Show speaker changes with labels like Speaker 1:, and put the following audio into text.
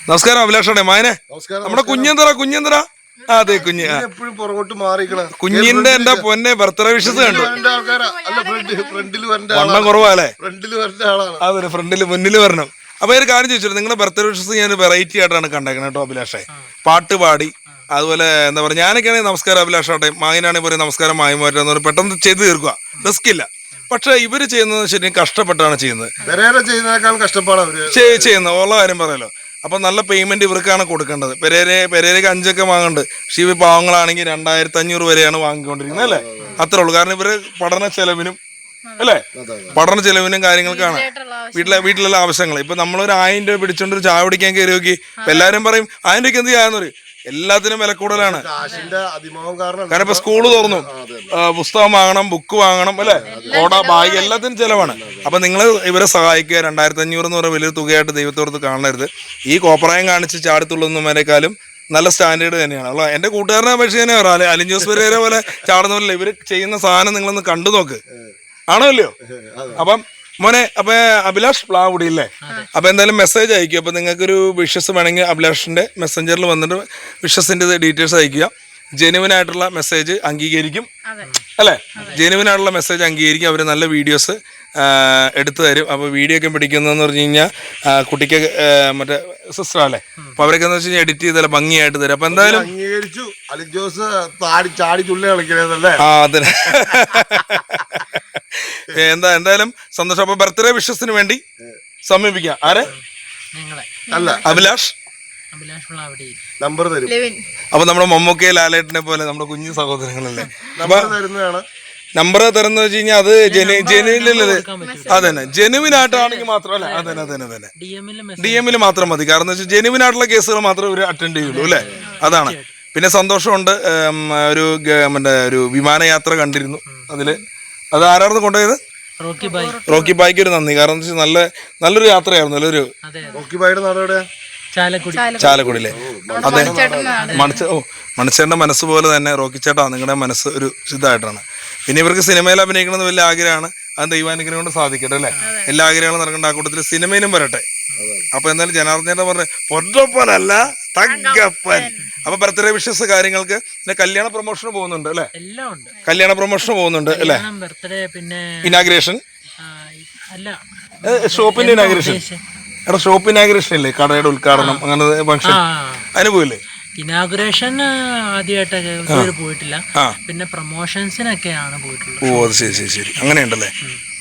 Speaker 1: നമസ്കാരം അഭിലാഷാണേ മായനെ. നമ്മുടെ കുഞ്ഞെന്തറ അതെ കുഞ്ഞ് കുഞ്ഞിന്റെ എന്റെ പൊന്നെ ബർത്ത്ഡേ വിഷസ് കണ്ടു. വണ്ണം കുറവാല്ലേ? അതെ ഫ്രണ്ടില് മുന്നിൽ വരണം. അപ്പൊ ഒരു കാര്യം ചോദിച്ചു, നിങ്ങളുടെ ബർത്ത്ഡേ വിഷസ് ഞാൻ വെറൈറ്റി ആയിട്ടാണ് കണ്ടേക്കുന്നത് കേട്ടോ അഭിലാഷേ. പാട്ട് പാടി അതുപോലെ എന്താ പറയുക, ഞാനൊക്കെയാണെങ്കിൽ നമസ്കാരം അഭിലാഷാട്ടെ, മായനാണെങ്കിൽ പറയും നമസ്കാരം മായമാറ്റെന്ന് പറയും, പെട്ടെന്ന് ചെയ്ത് തീർക്കുക, റിസ്ക് ഇല്ല. പക്ഷെ ഇവര് ചെയ്യുന്നത് ശരിക്കും കഷ്ടപ്പെട്ടാണ് ചെയ്യുന്നത്, ചെയ്യുന്നത് ഉള്ള കാര്യം പറയാലോ. അപ്പൊ നല്ല പേയ്മെന്റ് ഇവർക്കാണ് കൊടുക്കേണ്ടത്. പെരേരയ്ക്ക് 5 വാങ്ങുന്നുണ്ട്. പക്ഷെ ഇവർ പാവങ്ങളാണെങ്കിൽ 2500 വരെയാണ് വാങ്ങിക്കൊണ്ടിരിക്കുന്നത് അല്ലേ? അത്രേ ഉള്ളൂ. കാരണം ഇവര് പഠന ചെലവിനും അല്ലേ, പഠന ചെലവിനും കാര്യങ്ങൾക്കാണ്, വീട്ടിലുള്ള ആവശ്യങ്ങൾ. ഇപ്പൊ നമ്മളൊരു 1000 രൂപ പിടിച്ചോണ്ട് ഒരു ചായ കുടിക്കാൻ കയറി നോക്കി, ഇപ്പൊ എല്ലാരും പറയും 1000 രൂപയ്ക്ക് എന്ത് ചെയ്യാന്ന് പറയും. എല്ലാത്തിനും വില കൂടുതലാണ്. കാരണം ഇപ്പൊ സ്കൂള് തുറന്നു, പുസ്തകം വാങ്ങണം, ബുക്ക് വാങ്ങണം അല്ലെ, കോട, ബാഗ്, എല്ലാത്തിനും ചെലവാണ്. അപ്പൊ നിങ്ങൾ ഇവരെ സഹായിക്കുക. 2500 എന്ന് പറയുന്ന വലിയൊരു തുകയായിട്ട് ദൈവത്തോടത്ത് കാണരുത്. ഈ കോപ്രായം കാണിച്ച് ചാടിത്തുള്ളുന്നവരെക്കാളും നല്ല സ്റ്റാൻഡേർഡ് തന്നെയാണ് ഉള്ള. എന്റെ കൂട്ടുകാരനെ അപേക്ഷിച്ച് തന്നെ പറയാം, അലിൻ ജോസ് പെരേര പോലെ ചാടുന്നവരല്ല. ഇവര് ചെയ്യുന്ന സാധനം നിങ്ങളൊന്ന് കണ്ടു നോക്ക്, ആണോ അല്ലയോ? അപ്പം മോനെ, അപ്പൊ അഭിലാഷ് പ്ലാവുടി ഇല്ലേ? അപ്പൊ എന്തായാലും മെസ്സേജ് അയക്കുക. അപ്പൊ നിങ്ങൾക്കൊരു വിഷസ് വേണമെങ്കിൽ അഭിലാഷിന്റെ മെസ്സഞ്ചറിൽ വന്നിട്ട് വിഷസിന്റെ ഡീറ്റെയിൽസ് അയക്കുക. ജെനുവിൻ ആയിട്ടുള്ള മെസ്സേജ് അംഗീകരിക്കും അല്ലേ? ജെനുവിൻ ആയിട്ടുള്ള മെസ്സേജ് അംഗീകരിക്കും. അവർ നല്ല വീഡിയോസ് എടുത്തു തരും. അപ്പോൾ വീഡിയോ ഒക്കെ പിടിക്കുന്നതെന്ന് പറഞ്ഞു കഴിഞ്ഞാൽ കുട്ടിക്ക് മറ്റേ സിസ്റ്റർ അല്ലേ, അപ്പൊ അവരൊക്കെ എന്ന് വെച്ച് കഴിഞ്ഞാൽ എഡിറ്റ് ചെയ്തല്ല ഭംഗിയായിട്ട് തരും. അപ്പൊ എന്തായാലും
Speaker 2: അംഗീകരിച്ചു. അലിൻ ജോസ് ചാടി ചുള്ളി കളിക്കണല്ലേ?
Speaker 1: ആ അതെ. എന്തായാലും സന്തോഷം. അപ്പൊ ബർത്ത്ഡേ വിഷസിന് വേണ്ടി സമീപിക്കാം. ആരെ? അഭിലാഷ്
Speaker 2: നമ്പർ തരും.
Speaker 1: അപ്പൊ നമ്മുടെ മമ്മൂക്കയെ ലാലേട്ടനെ പോലെ നമ്മുടെ കുഞ്ഞു സഹോദരങ്ങളല്ലേ. അപ്പൊ നമ്പർ തരുന്ന വെച്ച് കഴിഞ്ഞാൽ അത് ജെനുവിനല്ലേ? അതന്നെ, ജെനുവിൻ ആയിട്ടാണെങ്കിൽ മാത്രമല്ല, അതന്നെ DM മാത്രം മതി. കാരണം എന്താ വെച്ചാൽ ജെനുവിൻ ആയിട്ടുള്ള കേസുകൾ മാത്രമേ ഇവർ അറ്റൻഡ് ചെയ്യുള്ളൂ അല്ലേ? അതാണ്. പിന്നെ സന്തോഷമുണ്ട്, മറ്റേ ഒരു വിമാനയാത്ര കണ്ടിരുന്നു. അത് ആരായിരുന്നു കൊണ്ടുപോയത്? റോക്കി ബായിക്ക് ഒരു നന്ദി. കാരണം എന്താ വെച്ചാൽ നല്ലൊരു യാത്രയായിരുന്നു.
Speaker 2: റോക്കി ബായിയുടെ നാട്
Speaker 1: ചാലക്കുടിയിലെ. അതെ, മണിച്ചേട്ടന്റെ മനസ്സ് പോലെ തന്നെ റോക്കി ചേട്ടാ നിങ്ങളുടെ മനസ്സ് ഒരു ഇതായിട്ടാണ്. പിന്നെ ഇവർക്ക് സിനിമയിൽ അഭിനയിക്കണമെന്ന് വലിയ ആഗ്രഹമാണ്. അത് ദൈവാനുഗ്രഹം കൊണ്ട് സാധിക്കട്ടെ അല്ലേ? എല്ലാ ആഗ്രഹങ്ങളും നടക്കേണ്ട. ആ കൂട്ടത്തിൽ സിനിമയിലും വരട്ടെ. അപ്പൊ എന്തായാലും ജനാർദ്ദനേട്ടൻ പറഞ്ഞ പൊന്നപ്പനല്ല തങ്കപ്പൻ. അപ്പൊ ബർത്ത്ഡേ വിഷസ് കാര്യങ്ങൾക്ക് പിന്നെ കല്യാണ പ്രൊമോഷന് പോകുന്നുണ്ട് അല്ലെ? കല്യാണ പ്രൊമോഷന് പോകുന്നുണ്ട് അല്ലെ? ഇനാഗ്രേഷൻ, ഷോപ്പിന്റെ ഇനാഗ്രേഷൻ. എടാ ഷോപ്പ് ഇനാഗ്രേഷൻ ഇല്ലേ, കടയുടെ ഉദ്ഘാടനം, അങ്ങനെ ഫംഗ്ഷൻ, അതിന് പോയില്ലേ?
Speaker 3: ഇനാഗുറേഷൻ ആദ്യമായിട്ടൊക്കെ പോയിട്ടില്ല, പിന്നെ പ്രൊമോഷൻസിനൊക്കെയാണ് പോയിട്ടുള്ളത്.
Speaker 1: ഓ അത് ശരി, അങ്ങനെയുണ്ടല്ലേ?